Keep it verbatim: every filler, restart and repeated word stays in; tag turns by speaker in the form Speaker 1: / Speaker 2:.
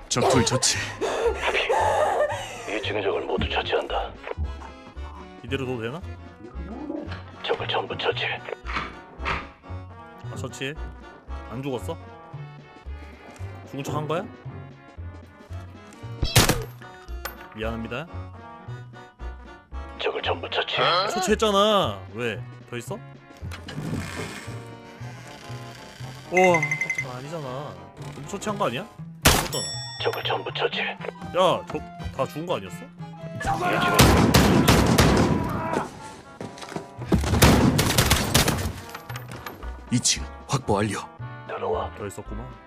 Speaker 1: 적둘 처치.
Speaker 2: 이 층의 적을 모두 처치한다.
Speaker 3: 이대로 둬도 되나?
Speaker 2: 적을 전부 처치.
Speaker 3: 아 처치해. 안 죽었어? 죽은 척 한 거야? 미안합니다.
Speaker 2: 적을 전부 처치.
Speaker 3: 처치했잖아. 왜? 더 있어? 우와 깜짝아 아니잖아. 전부 처치한 거 아니야? 죽었잖아.
Speaker 2: 적을 전부 처치.
Speaker 3: 야, 저 다 죽은 거 아니었어?
Speaker 2: 이 층의
Speaker 1: 이 층 확보 완료.
Speaker 2: 들어와.
Speaker 3: 더 있었구만.